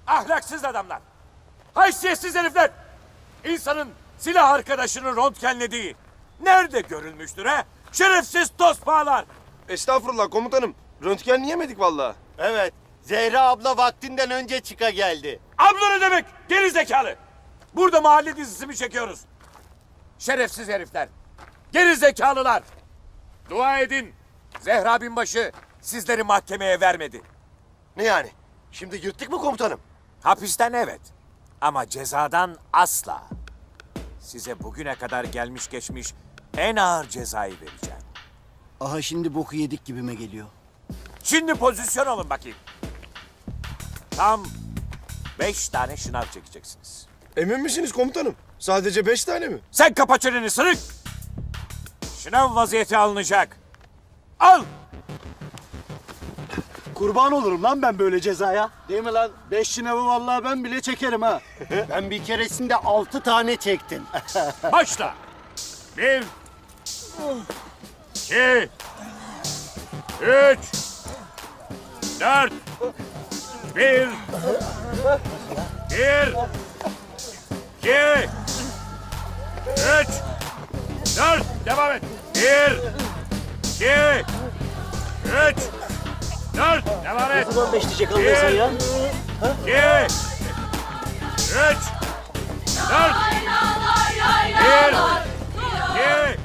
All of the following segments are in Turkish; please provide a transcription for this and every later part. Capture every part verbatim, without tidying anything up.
Ahlaksız adamlar. Haysiyetsiz herifler. İnsanın silah arkadaşını röntgenlediği nerede görülmüştür ha? Şerefsiz tospağlar. Estağfurullah komutanım. Röntgenleyemedik vallahi. Evet, Zehra abla vaktinden önce çıka geldi. Abla ne demek? Geri zekalı. Burada mahalle dizisi mi çekiyoruz? Şerefsiz herifler. Geri zekalılar. Dua edin. Zehra binbaşı sizleri mahkemeye vermedi. Ne yani? Şimdi yırttık mı komutanım? Hapisten evet. Ama cezadan asla. Size bugüne kadar gelmiş geçmiş en ağır cezayı vereceğim. Aha şimdi boku yedik gibime geliyor. Şimdi pozisyon olun bakayım. Tam beş tane şınav çekeceksiniz. Emin misiniz komutanım? Sadece beş tane mi? Sen kapa çeneni sırık. Şınav vaziyeti alınacak. Al. Kurban olurum lan ben böyle cezaya. Değil mi lan? Beş şınavı vallahi ben bile çekerim ha. Ben bir keresinde altı tane çektim. Başla. Bir. İki. Üç. Dört. Bir. Bir. İki. Üç. Dört. Devam et. Bir. İki. Üç. Dört. Devam et. Ne zaman beş diyecek anlıyorsun ya? İki. Üç. Dört. Bir. İki.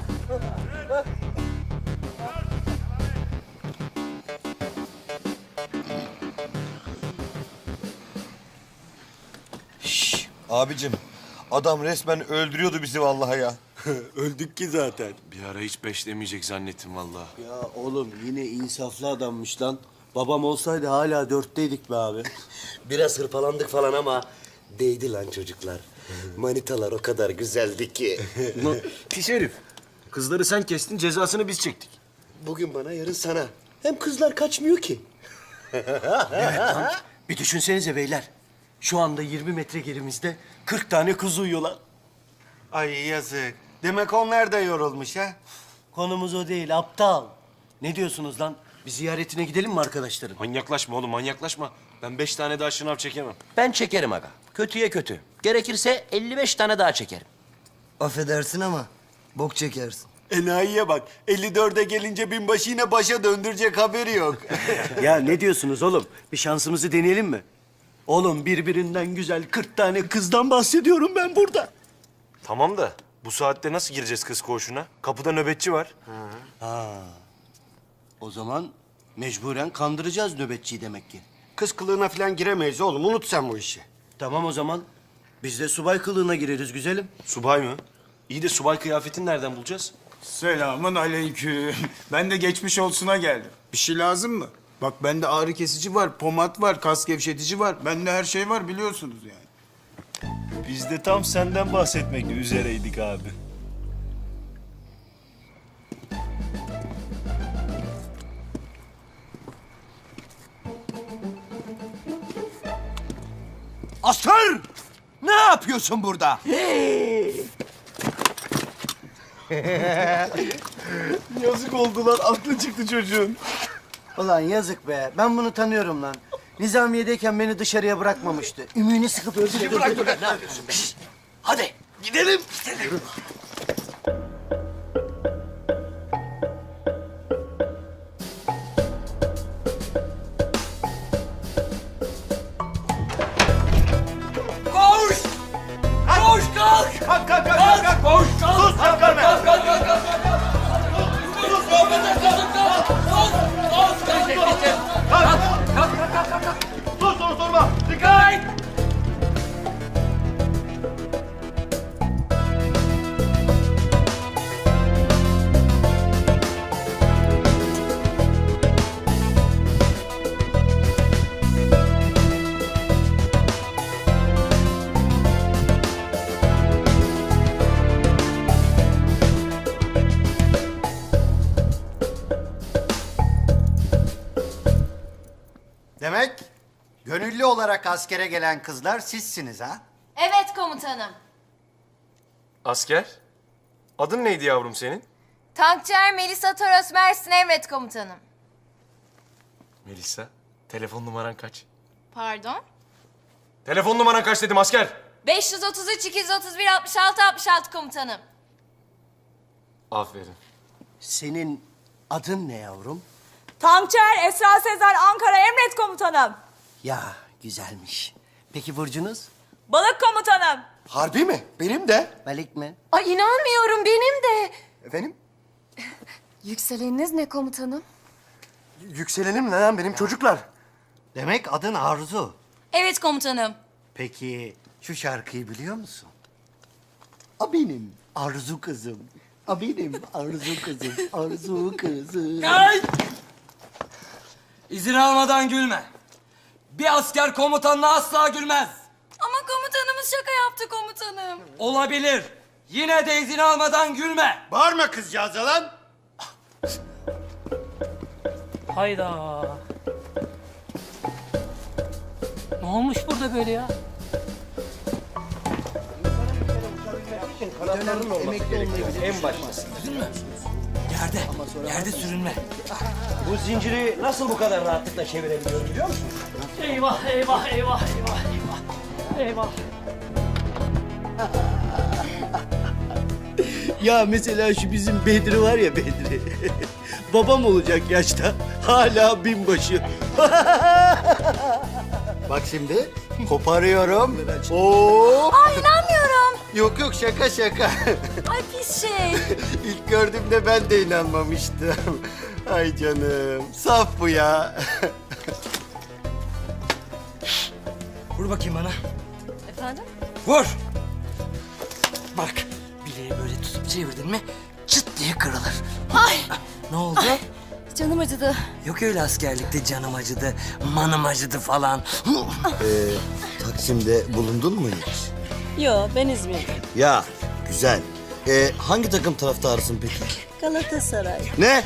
Abicim, adam resmen öldürüyordu bizi vallahi ya. Öldük ki zaten. Bir ara hiç beş demeyecek zannettim vallahi. Ya oğlum yine insaflı adammış lan. Babam olsaydı hala dörtteydik be abi. Biraz hırpalandık falan ama değdi lan çocuklar. Manitalar o kadar güzeldi ki. Pis herif. Kızları sen kestin, cezasını biz çektik. Bugün bana, yarın sana. Hem kızlar kaçmıyor ki. Bir düşünsenize beyler. Şu anda yirmi metre gerimizde kırk tane kız uyuyorlar. Ay yazık. Demek onlar da yorulmuş ha. Konumuz o değil aptal. Ne diyorsunuz lan? Bir ziyaretine gidelim mi arkadaşların? Manyaklaşma oğlum, manyaklaşma. Ben beş tane daha şınav çekemem. Ben çekerim aga. Kötüye kötü. Gerekirse elli beş tane daha çekerim. Affedersin ama bok çekersin. Enayiye bak. elli dörde gelince binbaşı yine başa döndürecek haberi yok. Ya ne diyorsunuz oğlum? Bir şansımızı deneyelim mi? Oğlum birbirinden güzel kırk tane kızdan bahsediyorum ben burada. Tamam da bu saatte nasıl gireceğiz kız koğuşuna? Kapıda nöbetçi var. O zaman mecburen kandıracağız nöbetçiyi demek ki. Kız kılığına falan giremeyiz oğlum. Unut sen bu işi. Tamam o zaman. Biz de subay kılığına gireriz güzelim. Subay mı? İyi de subay kıyafetini nereden bulacağız? Selamun aleyküm. Ben de geçmiş olsuna geldim. Bir şey lazım mı? Bak bende ağrı kesici var, pomat var, kas gevşetici var. Bende her şey var biliyorsunuz yani. Biz de tam senden bahsetmek üzereydik abi. Asker! Ne yapıyorsun burada? Yazık oldu lan, aklı çıktı çocuğun. Ulan yazık be. Ben bunu tanıyorum lan. Nizamiye'deyken beni dışarıya bırakmamıştı. Ümüğünü sıkıp öldürdü. Bırak bırak ne yapıyorsun? Şişt! Hadi gidelim. Gidelim. Koş! Koş kalk! Kalk kalk kalk kalk! Koş kalk! Sus kalk kalk kalk kalk kalk kalk! Sus kalk kalk kalk kalk! Sus! Sus! Kalk kalk kalk kalk kalk! Sus dur durma! Dikkat! Demek gönüllü olarak askere gelen kızlar sizsiniz ha? Evet komutanım. Asker? Adın neydi yavrum senin? Tankçıer Melisa Toros Mersin emret komutanım. Melisa. Telefon numaran kaç? Pardon? Telefon numaran kaç dedim asker? beş yüz otuz üç iki yüz otuz bir altmış altı altmış altı komutanım. Aferin. Senin adın ne yavrum? Tankçıer Esra Sezer Ankara emret komutanım. Ya güzelmiş. Peki burcunuz? Balık komutanım. Harbi mi? Benim de. Balık mı? Ay inanmıyorum benim de. Efendim? Yükseleniniz ne komutanım? Yükselenim ne lan benim çocuklar? Demek adın Arzu. Evet komutanım. Peki şu şarkıyı biliyor musun? A benim Arzu kızım. A benim Arzu kızım. Arzu kızım. Ay! İzin almadan gülme. Bir asker komutanına asla gülmez. Ama komutanımız şaka yaptı komutanım. Olabilir. Yine de izin almadan gülme. Bağırma kızcağıza lan. Hayda. Ne olmuş burada böyle ya? Yerde, yerde sürünme. Bu zinciri nasıl bu kadar rahatlıkla çevirebiliyorum biliyor musun? Eyvah, eyvah, eyvah, eyvah, eyvah. Eyvah. Ya mesela şu bizim Bedri var ya Bedri. Babam olacak yaşta. Hala binbaşı. Bak şimdi koparıyorum. Oo. Ay inanmıyorum. Yok yok şaka şaka. Ay pis şey. İlk gördüğümde ben de inanmamıştım. Ay canım. Saf bu ya. Vur bakayım bana. Efendim? Vur. Bak, bileği böyle tutup çevirdin mi çıt diye kırılır. Ay. Ne oldu? Canım acıdı. Yok öyle askerlikte canım acıdı, manım acıdı falan. Ee, Taksim'de bulundun mu hiç? Yo ben İzmir'de. Ya güzel. Ee, hangi takım taraftarısın peki? Galatasaray. Ne?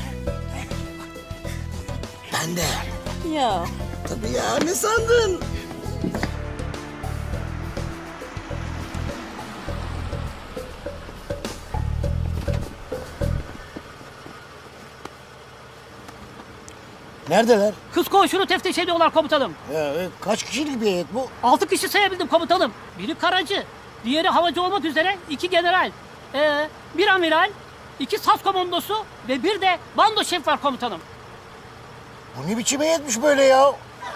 Ben de. Ya. Tabii ya ne sandın? Neredeler? Kız koğuşunu teftiş ediyorlar komutanım. Ya, kaç kişilik bir heyet bu? Altı kişi sayabildim komutanım. Biri karacı, diğeri havacı olmak üzere iki general. Ee, bir amiral, iki sas komandosu ve bir de bando şef var komutanım. Bu ne biçim heyetmiş böyle ya?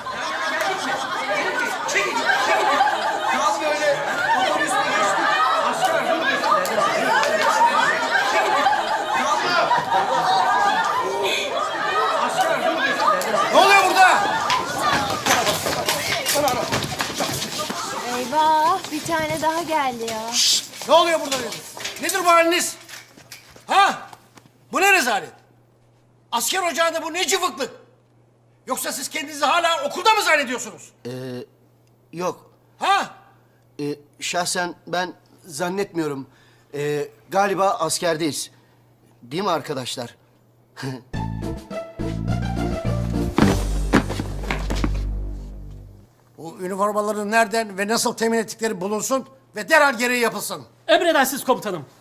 Ne oluyor burada? Eyvah bir tane daha geldi ya. Ne oluyor burada dedim? Nedir bu haliniz? Ha? Bu ne rezalet? Asker ocağında bu ne cıvıklık? Yoksa siz kendinizi hala okulda mı zannediyorsunuz? Yok. Ha? Ee, şahsen ben zannetmiyorum. Ee, galiba askerdeyiz. Değil mi arkadaşlar? Bu üniformaların nereden ve nasıl temin ettikleri bulunsun ve derhal gereği yapılsın. Emredersiniz komutanım.